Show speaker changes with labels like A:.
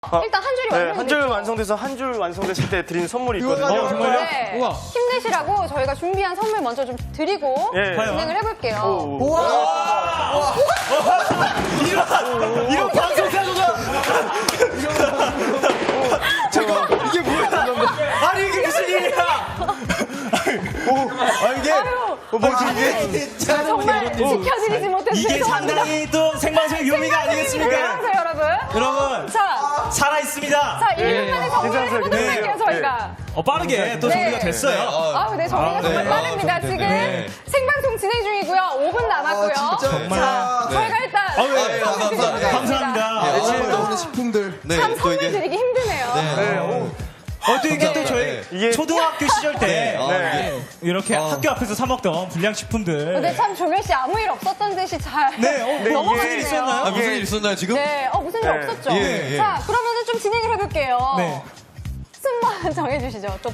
A: 일단 한 줄이
B: 네,
A: 완성됐죠?
B: 한 줄 완성돼서 한 줄 완성됐을 때 드리는 선물이 있거든요.
C: 정말요?
A: 네.
C: 우와.
A: 힘내시라고 저희가 준비한 선물 먼저 좀 드리고
B: 예.
A: 진행을 해볼게요.
B: 이런 방송 타조다.
C: 잠깐만, 이게 뭐야?
B: 아니 이게 무슨 일이야?
C: 이게 뭐지 이게?
A: 정말 지켜드리지 못해서
D: 이게
A: 죄송합니다.
D: 상당히 또 생방송의 묘미가 아니겠습니까?
A: 안녕하세요, 여러분.
D: 여러분,
A: 자,
D: 살아있습니다.
A: 1분 만에 정리를 해보도록
B: 네.
A: 할게요, 저희가.
D: 빠르게 또
A: 네.
D: 정리가 됐어요.
A: 아우, 네, 정리가 정말 빠릅니다. 지금 생방송 진행 중이고요. 5분 남았고요.
C: 진짜.
A: 자, 저희가 일단
C: 감사합니다.
D: 감사합니다.
C: 아침에 나오는 식품들. 네,
A: 참
C: 또
A: 선물
C: 이게.
A: 드리기 힘드네요.
D: 또 이게 또 저희
B: 이게-
D: 초등학교 시절 때
B: 네.
D: 이렇게 학교 앞에서 사 먹던 불량식품들.
A: 근데 참 조별 씨 아무 일 없었던 듯이 잘
D: 네,
A: 넘어갔네요.
D: 무슨 일 있었나요?
C: 무슨 일 있었나요 지금?
A: 네, 무슨 일
B: 네.
A: 없었죠?
C: 예, 예.
A: 자, 그러면은 좀 진행을 해볼게요.
D: 네.
A: 순번 정해주시죠. 또